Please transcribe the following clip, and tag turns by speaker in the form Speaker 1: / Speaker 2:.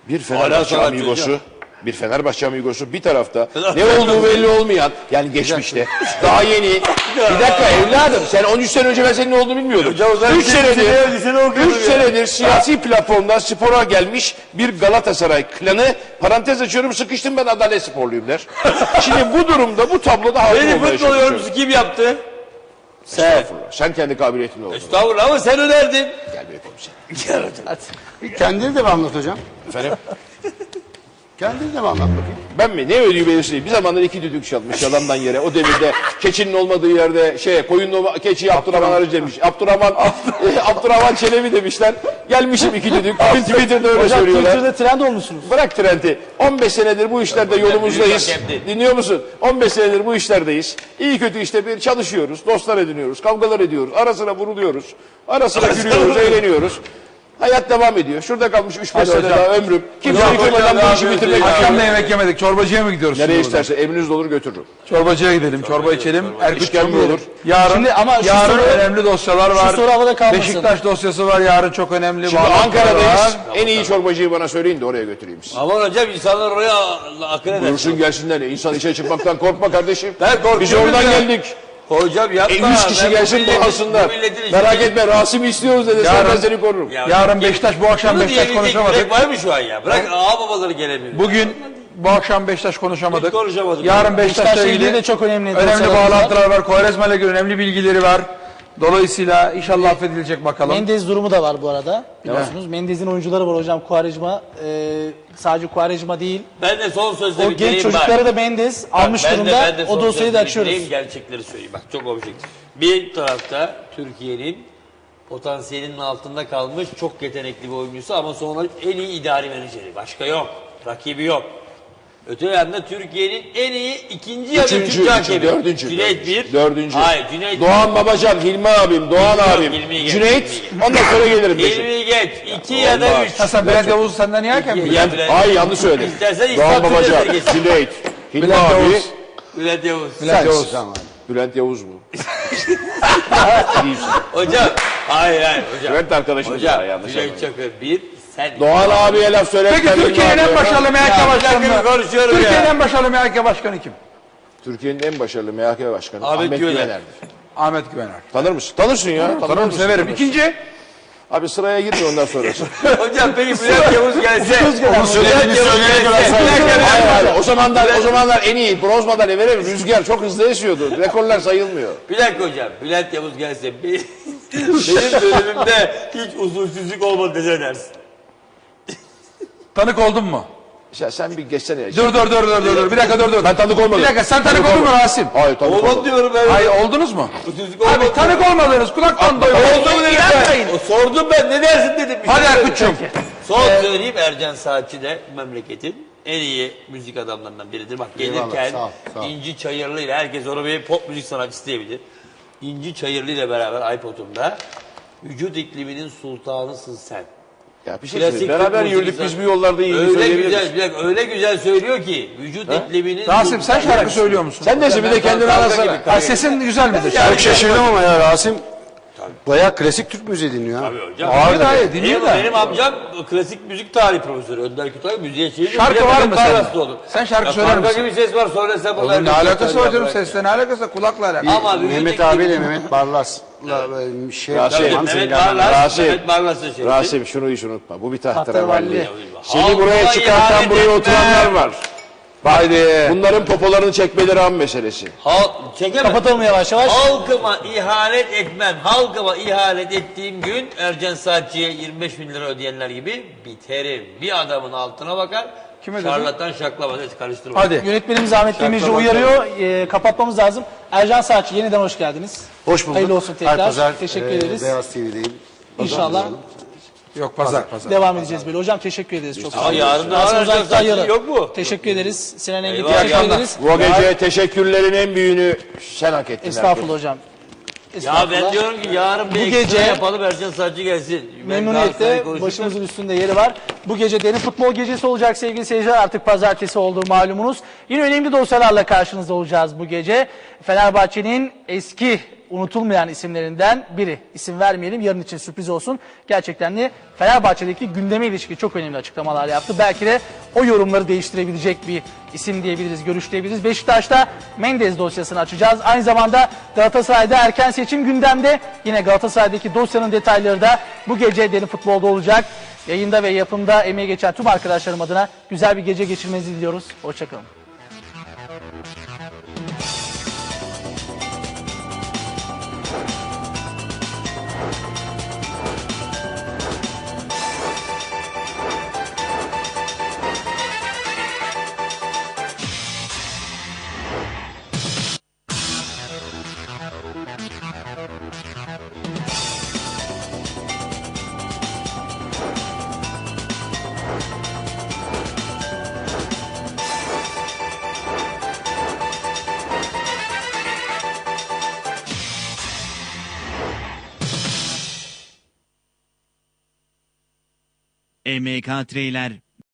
Speaker 1: Bir Fenerbahçe amigosu, bir tarafta ne olduğu belli olmayan, yani geçmişte, daha yeni. Bir dakika evladım, sen 13 sene önce ben senin ne olduğunu bilmiyordum. 3 senedir siyasi platformdan spora gelmiş bir Galatasaray klanı, parantez açıyorum, sıkıştım ben Adalet Sporluyum der. Şimdi bu durumda, bu tabloda hakim olmaya çalışıyorum.
Speaker 2: Beni futbol yorumcusu kim yaptı?
Speaker 1: Estağfurullah. Sen kendi kabiliyetinle oldun.
Speaker 2: Estağfurullah ama sen önerdin.
Speaker 1: Gel be komiserim.
Speaker 3: Kendini de mi anlat hocam?
Speaker 1: Efendim?
Speaker 3: Kendini de mi anlat bakayım?
Speaker 1: Ben mi? Ne ödüğü belirsiz değil. Bir zamanlar 2 düdük çalmış yalandan yere. O devirde keçinin olmadığı yerde koyunun keçiyi Abdurrahman Arıcı demiş. Abdurrahman Çelebi demişler. Gelmişim 2 düdük. Twitter'da öyle söylüyorlar.
Speaker 4: Twitter'da trend olmuşsunuz.
Speaker 1: Bırak trendi. 15 senedir bu işlerde yolumuzdayız. Dinliyor musun? 15 senedir bu işlerdeyiz. İyi kötü işte bir çalışıyoruz. Dostlar ediniyoruz. Kavgalar ediyoruz. Ara sıra vuruluyoruz. Ara sıra gülüyoruz, eğleniyoruz. Hayat devam ediyor. Şurada kalmış 3-5 sene daha ömrüm. Kimse yıkılmadan bu işi bitirmek
Speaker 5: Akşam da
Speaker 1: istiyorum.
Speaker 5: yemek yemedik. Çorbacıya mı gidiyoruz?
Speaker 1: Nereye isterse emriniz olur götürürüm.
Speaker 5: Çorbacıya gidelim. Çorba içelim. Erkut
Speaker 1: İşkembe olur.
Speaker 5: Yarın,
Speaker 4: Şimdi ama şu
Speaker 5: yarın
Speaker 4: soru-
Speaker 5: önemli dosyalar var.
Speaker 4: soru havada kalmasın.
Speaker 5: Beşiktaş dosyası var. Yarın çok önemli.
Speaker 1: Şimdi
Speaker 5: bağlantılar
Speaker 1: Ankara'dayız.
Speaker 5: var.
Speaker 1: En iyi çorbacıyı bana söyleyin de oraya götüreyim sizi.
Speaker 2: Aman hocam insanlar oraya akıl eder.
Speaker 1: Buyursun gelsinler. İnsan işe çıkmaktan korkma kardeşim.
Speaker 2: Ben korkuyorum
Speaker 1: Biz oradan
Speaker 2: ya.
Speaker 1: geldik.
Speaker 2: Hocam yapma.
Speaker 1: 100 kişi
Speaker 2: Ben
Speaker 1: gelsin
Speaker 2: bu milletin-
Speaker 1: bağlasınlar.
Speaker 2: bu milletin
Speaker 1: Merak
Speaker 2: işini-
Speaker 1: etme Rasim'i istiyoruz dedi.
Speaker 5: Yarın-
Speaker 1: Ben seni korurum.
Speaker 2: Ya
Speaker 5: Yarın
Speaker 2: hocam,
Speaker 5: Beşiktaş, bu akşam
Speaker 2: bunu
Speaker 5: Beşiktaş
Speaker 2: diyebilecek
Speaker 5: konuşamadık.
Speaker 2: yürek var mı şu an ya? Bırak ağa babaları gelemiyor.
Speaker 5: Bugün bu akşam Beşiktaş konuşamadık.
Speaker 2: Hiç konuşamadık.
Speaker 5: Yarın Beşiktaş'la
Speaker 4: Beşiktaş'la ilgili
Speaker 5: ilgili
Speaker 4: de çok önemli
Speaker 5: önemli
Speaker 4: dosyalar var.
Speaker 5: bağlantılar var. Kovarejma'yla ilgili önemli bilgileri var. Dolayısıyla inşallah affedilecek bakalım.
Speaker 4: Mendez durumu da var bu arada. Biliyorsunuz Mendez'in oyuncuları var hocam. Quaresma sadece Quaresma değil.
Speaker 2: Ben de son sözle
Speaker 4: O genç çocukları da Mendez almış durumda. O dosyayı da açıyoruz.
Speaker 2: Gerçekleri söyleyeyim. Bak çok objektif. Bir tarafta Türkiye'nin potansiyelinin altında kalmış çok yetenekli bir oyuncusu ama sonra en iyi idari menajeri. Başka yok. Rakibi yok. Öte yanda Türkiye'nin en iyi ikinci ya da üçüncü hakemi.
Speaker 1: Dördüncü.
Speaker 2: Hayır Cüneyt.
Speaker 1: Doğan Babacan, Hilmi abim, Doğan abim,
Speaker 2: Hilmi'yi geç,
Speaker 1: Cüneyt.
Speaker 2: Hilmi'yi
Speaker 1: Ondan sonra gelirim.
Speaker 2: Hilmi geç. 2 ya da 3.
Speaker 5: Hasan Bülent Yavuz senden niye hakem mi?
Speaker 1: Ay yanlış söyledim.
Speaker 2: İstersen
Speaker 1: Doğan
Speaker 2: İslam
Speaker 1: Babacan,
Speaker 2: Türkleri geçsin.
Speaker 1: Cüneyt, Hilmi
Speaker 5: Bülent
Speaker 1: abi.
Speaker 5: Yavuz.
Speaker 2: Bülent Yavuz.
Speaker 5: Bülent Yavuz.
Speaker 3: Tamam.
Speaker 1: Bülent Yavuz mu?
Speaker 2: Hocam. Hayır hocam.
Speaker 1: Bülent arkadaşımız ya,
Speaker 2: Hocam
Speaker 1: yanlış
Speaker 2: Cüneyt
Speaker 1: anlamayın.
Speaker 2: Çakır bir. Sen
Speaker 1: Doğan abiye laf söyletmedim.
Speaker 5: Peki Türkiye'nin en başarılı MHK başkanı.
Speaker 2: konuşuyorum
Speaker 5: Türkiye'nin
Speaker 2: ya.
Speaker 5: en başarılı MHK başkanı kim?
Speaker 1: Türkiye'nin en başarılı MHK başkanı
Speaker 2: Ahmet
Speaker 1: Ahmet
Speaker 2: Güvener.
Speaker 1: Güvener'dir.
Speaker 5: Ahmet Güvener.
Speaker 1: Tanır mısın? Tanırsın ya.
Speaker 5: Tanırım,
Speaker 1: mısın?
Speaker 5: severim.
Speaker 1: Tanırsın.
Speaker 5: İkinci.
Speaker 1: Abi sıraya girme ondan sonrası.
Speaker 2: Hocam peki Bülent Yavuz gelse.
Speaker 1: Onun söylediğini söyleyene kadar sayılır. Hayır. O zamanlar en iyi bronz madalya verelim. Rüzgar çok hızlı esiyordu. Rekorlar sayılmıyor.
Speaker 2: Bir dakika hocam. Bülent Yavuz gelse benim bölümümde hiç usulsüzlük olmadı dese dersin.
Speaker 5: Tanık oldun mu?
Speaker 1: Ya sen bir geçsene ya.
Speaker 5: Dur. Bir dakika dur.
Speaker 1: Ben tanık olmadım.
Speaker 5: Bir dakika sen tanık oldun mu Rasim?
Speaker 1: Hayır tanık
Speaker 2: Olmadı
Speaker 1: olmadım.
Speaker 2: diyorum ben.
Speaker 5: Hayır oldunuz mu?
Speaker 2: Usulsüzlük olmadı.
Speaker 5: Abi tanık olmadınız. Kulaktan doymadınız.
Speaker 2: Oldu mu dedim ben. O sordum ben ne dersin dedim.
Speaker 5: Hadi Erkut'cum.
Speaker 2: Son söyleyeyim Ercan Saatçi de memleketin en iyi müzik adamlarından biridir. Bak gelirken
Speaker 3: Eyvallah, sağ ol.
Speaker 2: İnci Çayırlı ile herkes onu bir pop müzik sanatçısı diyebilir. İnci Çayırlı ile beraber iPod'umda vücut ikliminin sultanısın sen.
Speaker 1: Ya bir şey
Speaker 2: Klasik
Speaker 1: söyleyeyim. Beraber
Speaker 2: Türk
Speaker 1: yürüdük
Speaker 2: müziği
Speaker 1: biz bu yollarda iyi
Speaker 2: Öyle
Speaker 1: söyleyebiliriz.
Speaker 2: güzel, bir dakika, öyle güzel söylüyor ki vücut ikliminin
Speaker 5: Rasim sen
Speaker 2: sultanı.
Speaker 5: şarkı söylüyor musun?
Speaker 1: Sen de bir de kendini arasana.
Speaker 5: Ha, sesin güzel midir?
Speaker 3: Çok şaşırdım ama ya Rasim. Bayağı klasik Türk müziği dinliyor ha.
Speaker 2: Tabii hocam.
Speaker 5: Abi dayı dinliyor da.
Speaker 2: Benim amcam klasik müzik tarihi profesörü. Önder Kütahya müziğe çevirdi.
Speaker 5: Şarkı var mı sende?
Speaker 2: Olur.
Speaker 5: Sen şarkı
Speaker 2: Ya
Speaker 5: söyler
Speaker 2: karga
Speaker 5: misin?
Speaker 2: gibi ses var söylesem.
Speaker 5: Oğlum ne alakası var canım sesle ne alakası var? Kulakla alakası.
Speaker 2: Ama vücut
Speaker 3: Mehmet
Speaker 2: ikliminin-
Speaker 3: abiyle Mehmet Barlas'la şey
Speaker 1: Rasim.
Speaker 2: Tabii,
Speaker 3: Hamza
Speaker 2: Mehmet
Speaker 3: ile beraber.
Speaker 2: Barlas,
Speaker 1: Rasim.
Speaker 2: Mehmet Barlas'ın şeyi.
Speaker 1: Rasim şunu hiç unutma. Bu bir
Speaker 4: Tahterevalli.
Speaker 1: tahterevalli. Seni
Speaker 2: Halkıma
Speaker 1: buraya çıkartan
Speaker 2: ihanet
Speaker 1: buraya
Speaker 2: etme.
Speaker 1: oturanlar var.
Speaker 5: Haydi.
Speaker 1: Bunların popolarını çekmeleri an meselesi.
Speaker 2: Çekemem.
Speaker 4: Kapatalım yavaş yavaş.
Speaker 2: Halkıma ihanet etmem. Halkıma ihanet ettiğim gün Ercan Saatçı'ya 25 bin lira ödeyenler gibi biterim. Bir adamın altına bakar.
Speaker 5: Kime dedi?
Speaker 2: Şarlatan şaklamaz. Hiç karıştırma.
Speaker 5: Hadi.
Speaker 4: Yönetmenimiz Ahmet Demirci uyarıyor. Kapatmamız lazım. Ercan Saatçi yeniden hoş geldiniz.
Speaker 3: Hoş bulduk.
Speaker 4: Hayırlı olsun tekrar.
Speaker 3: Her pazar
Speaker 4: Teşekkür ederiz.
Speaker 3: Beyaz TV'deyim.
Speaker 4: İnşallah
Speaker 5: Yok pazar.
Speaker 4: devam edeceğiz böyle. Hocam teşekkür ederiz çok sağ olun.
Speaker 2: yarın da
Speaker 4: Rasim
Speaker 2: Ercan
Speaker 4: Uzak'tan
Speaker 2: Saatçi
Speaker 4: yarın.
Speaker 2: yok mu?
Speaker 4: Teşekkür ederiz. Sinan Engin
Speaker 2: Eyvallah.
Speaker 4: teşekkür ederiz.
Speaker 1: Bu gece teşekkürlerin en büyüğünü sen hak ettin.
Speaker 4: Estağfurullah hocam.
Speaker 2: Ya
Speaker 4: Estağfurullah.
Speaker 2: ben diyorum ki yarın bir
Speaker 4: Bu
Speaker 2: ekstra
Speaker 4: gece-
Speaker 2: yapalım Ercan Saatçi gelsin. Ben
Speaker 4: Memnuniyetle
Speaker 2: Galatasaray'ı konuşurken-
Speaker 4: başımızın üstünde yeri var. Bu gece derin futbol gecesi olacak sevgili seyirciler. Artık pazartesi olduğu malumunuz. Yine önemli dosyalarla karşınızda olacağız bu gece. Fenerbahçe'nin eski unutulmayan isimlerinden biri. İsim vermeyelim, yarın için sürpriz olsun. Gerçekten de Fenerbahçe'deki gündeme ilişkin çok önemli açıklamalar yaptı. Belki de o yorumları değiştirebilecek bir isim diyebiliriz, görüş diyebiliriz. Beşiktaş'ta Mendes dosyasını açacağız. Aynı zamanda Galatasaray'da erken seçim gündemde. Yine Galatasaray'daki dosyanın detayları da bu gece Derin Futbol'da olacak. Yayında ve yapımda emeği geçen tüm arkadaşlarım adına güzel bir gece geçirmenizi diliyoruz. Hoşçakalın.
Speaker 6: EMK Treyler